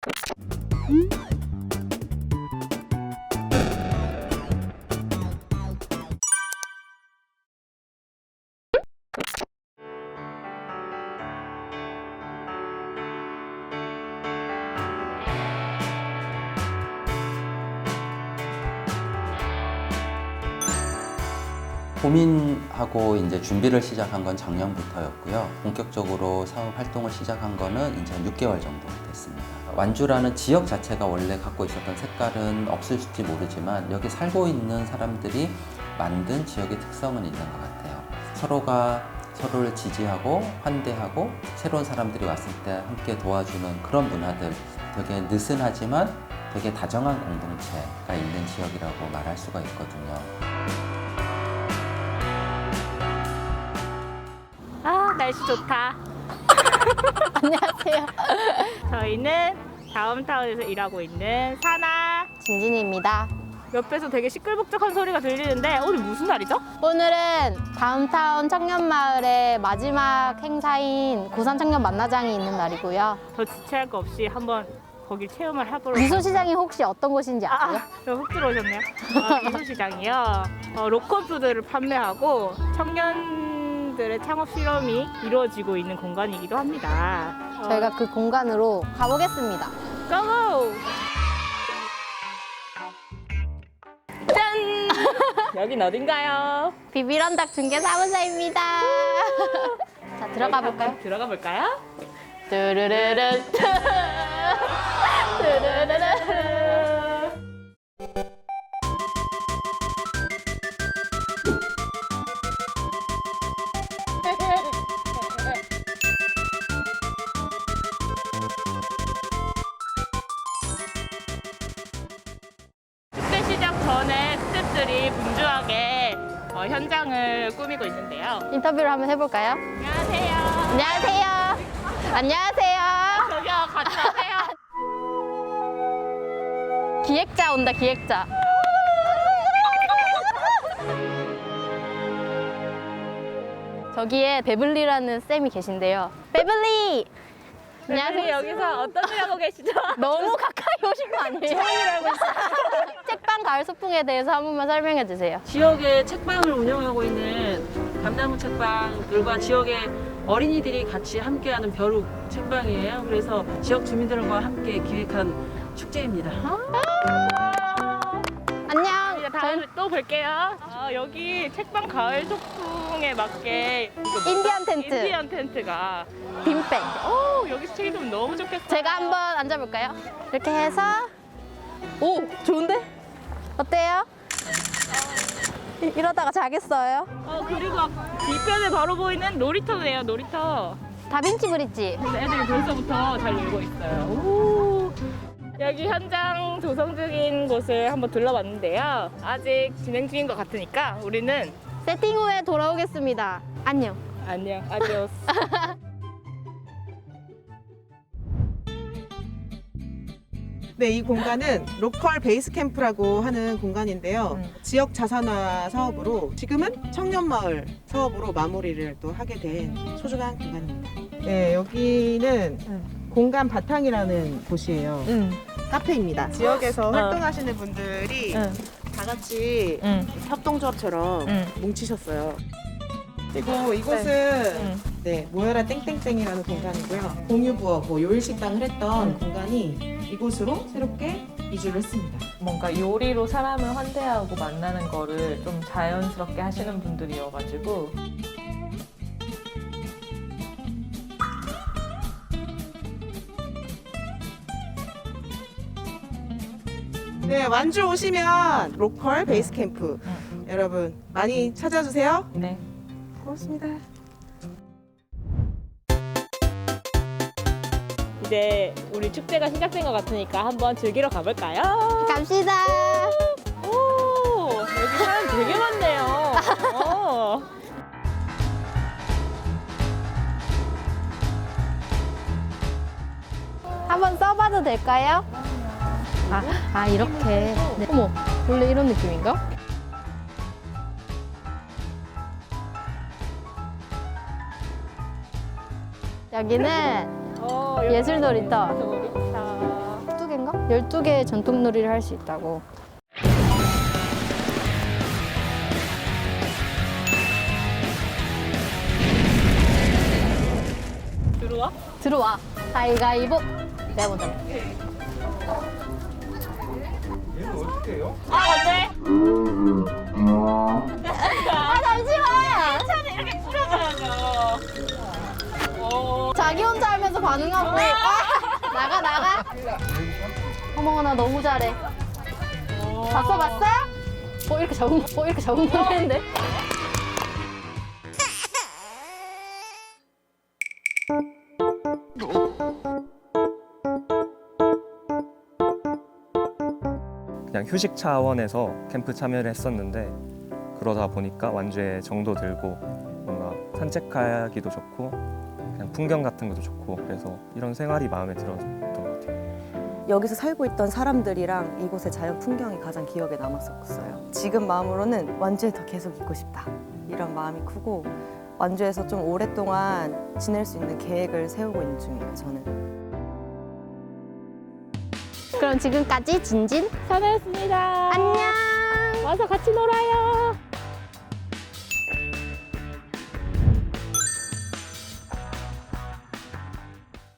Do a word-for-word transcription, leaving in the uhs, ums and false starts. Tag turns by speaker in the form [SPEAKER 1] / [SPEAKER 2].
[SPEAKER 1] 고민하고 이제 준비를 시작한 건 작년부터였고요. 본격적으로 사업 활동을 시작한 거는 이제 한 육 개월 정도 됐습니다. 완주라는 지역 자체가 원래 갖고 있었던 색깔은 없을지 모르지만 여기 살고 있는 사람들이 만든 지역의 특성은 있는 것 같아요. 서로가 서로를 지지하고 환대하고 새로운 사람들이 왔을 때 함께 도와주는 그런 문화들, 되게 느슨하지만 되게 다정한 공동체가 있는 지역이라고 말할 수가 있거든요.
[SPEAKER 2] 아, 날씨 좋다.
[SPEAKER 3] 안녕하세요.
[SPEAKER 2] 저희는 다운타운에서 일하고 있는 사나.
[SPEAKER 3] 진진입니다.
[SPEAKER 2] 옆에서 되게 시끌벅적한 소리가 들리는데 오늘 무슨 날이죠?
[SPEAKER 3] 오늘은 다운타운 청년마을의 마지막 행사인 고산 청년 만나장이 있는 날이고요.
[SPEAKER 2] 더 지체할 거 없이 한번 거길 체험을 해보러.
[SPEAKER 3] 미소시장이 혹시 어떤 곳인지 아세요?
[SPEAKER 2] 아, 훅 들어오셨네요. 아, 미소시장이요. 어, 로컬 푸드를 판매하고 청년들의 창업 실험이 이루어지고 있는 공간이기도 합니다. 어,
[SPEAKER 3] 저희가 그 공간으로 가보겠습니다.
[SPEAKER 2] 고고! 짠! 여긴 어딘가요?
[SPEAKER 3] 비비런닭 중개사무소입니다. 자, 들어가 볼까요?
[SPEAKER 2] 들어가 볼까요?
[SPEAKER 3] 뚜루루루 뚜루루루.
[SPEAKER 2] 축제 시작 전에 스태프들이 분주하게 어, 현장을 꾸미고 있는데요.
[SPEAKER 3] 인터뷰를 한번 해볼까요?
[SPEAKER 2] 안녕하세요.
[SPEAKER 3] 안녕하세요. 안녕하세요.
[SPEAKER 2] 저기요, 같이 하세요.
[SPEAKER 3] 기획자 온다, 기획자. 저기에 베블리라는 쌤이 계신데요. 베블리!
[SPEAKER 2] 안녕하세요. 여기서 어떤 일 하고 계시죠?
[SPEAKER 3] 너무 가까이 오신 거 아니에요?
[SPEAKER 2] 처음이라고 했어요.
[SPEAKER 3] 책방 가을 소풍에 대해서 한 번만 설명해 주세요.
[SPEAKER 4] 지역의 책방을 운영하고 있는 감나무 책방들과 지역의 어린이들이 같이 함께하는 벼룩 책방이에요. 그래서 지역 주민들과 함께 기획한 축제입니다.
[SPEAKER 3] 안녕.
[SPEAKER 2] 이제 다음에 또 뵐게요. 아, 여기 책방 가을 소풍에 맞게 이거 뭐죠?
[SPEAKER 3] 인디안 텐트.
[SPEAKER 2] 인디안 텐트가.
[SPEAKER 3] 빈백.
[SPEAKER 2] 오, 여기서 책 읽으면 너무 좋겠어요.
[SPEAKER 3] 제가 한번 앉아볼까요? 이렇게 해서 오, 좋은데? 어때요? 이- 이러다가 자겠어요?
[SPEAKER 2] 어, 그리고 앞- 뒤편에 바로 보이는 놀이터네요, 놀이터.
[SPEAKER 3] 다빈치 브릿지.
[SPEAKER 2] 근데 애들이 벌써부터 잘 놀고 있어요. 오. 여기 현장 조성 중인 곳을 한번 둘러봤는데요. 아직 진행 중인 것 같으니까 우리는
[SPEAKER 3] 세팅 후에 돌아오겠습니다. 안녕.
[SPEAKER 2] 안녕, 아디오스.
[SPEAKER 5] 네, 이 공간은 로컬 베이스 캠프라고 하는 공간인데요.
[SPEAKER 2] 음.
[SPEAKER 5] 지역 자산화 사업으로 지금은 청년마을 사업으로 마무리를 또 하게 된 소중한 공간입니다. 네, 여기는
[SPEAKER 2] 음.
[SPEAKER 5] 공간 바탕이라는 곳이에요.
[SPEAKER 2] 응,
[SPEAKER 5] 카페입니다. 지역에서
[SPEAKER 2] 어.
[SPEAKER 5] 활동하시는 분들이
[SPEAKER 2] 응,
[SPEAKER 5] 다 같이
[SPEAKER 2] 응,
[SPEAKER 5] 협동조합처럼
[SPEAKER 2] 응.
[SPEAKER 5] 뭉치셨어요. 그리고 이곳은
[SPEAKER 2] 응.
[SPEAKER 5] 네, 모여라 땡땡땡이라는 공간이고요. 공유부업, 뭐 요일식당을 했던
[SPEAKER 2] 음.
[SPEAKER 5] 공간이 이곳으로 새롭게 이주를 했습니다.
[SPEAKER 6] 뭔가 요리로 사람을 환대하고 만나는 거를 좀 자연스럽게 하시는 분들이어가지고
[SPEAKER 5] 네, 완주 오시면 로컬 베이스 캠프
[SPEAKER 6] 음.
[SPEAKER 5] 여러분 많이 찾아주세요.
[SPEAKER 6] 네.
[SPEAKER 5] 고맙습니다.
[SPEAKER 2] 이제 우리 축제가 시작된 것 같으니까 한번 즐기러 가볼까요?
[SPEAKER 3] 갑시다.
[SPEAKER 2] 오, 여기 사람 되게 많네요. 어.
[SPEAKER 3] 한번 써봐도 될까요? 아, 아 이렇게. 네. 어머, 원래 이런 느낌인가? 여기는
[SPEAKER 2] 어, 여기
[SPEAKER 3] 예술 놀이터.
[SPEAKER 2] 놀이터.
[SPEAKER 3] 열두 개의 전통놀이를 할 수 있다고.
[SPEAKER 2] 들어와?
[SPEAKER 3] 들어와. 가위가위보. 내가 먼저 할게.
[SPEAKER 2] 아, 네.
[SPEAKER 3] 아, 잠시만.
[SPEAKER 2] 천천히 이렇게 뿌려줘야죠. 오.
[SPEAKER 3] 자기 혼자 하면서 반응하고. 아, 나가, 나가. 어머, 나 너무 잘해. 봤어, 봤어? 어, 이렇게 적응, 어, 이렇게 적응하는데?
[SPEAKER 7] 그냥 휴식 차원에서 캠프 참여를 했었는데 그러다 보니까 완주에 정도 들고 뭔가 산책하기도 좋고 그냥 풍경 같은 것도 좋고 그래서 이런 생활이 마음에 들었던 것 같아요.
[SPEAKER 8] 여기서 살고 있던 사람들이랑 이곳의 자연 풍경이 가장 기억에 남았었어요. 지금 마음으로는 완주에 더 계속 있고 싶다 이런 마음이 크고 완주에서 좀 오랫동안 지낼 수 있는 계획을 세우고 있는 중이에요. 저는.
[SPEAKER 3] 그럼 지금까지 진진.
[SPEAKER 2] 선혜였습니다.
[SPEAKER 3] 안녕.
[SPEAKER 2] 와서 같이 놀아요.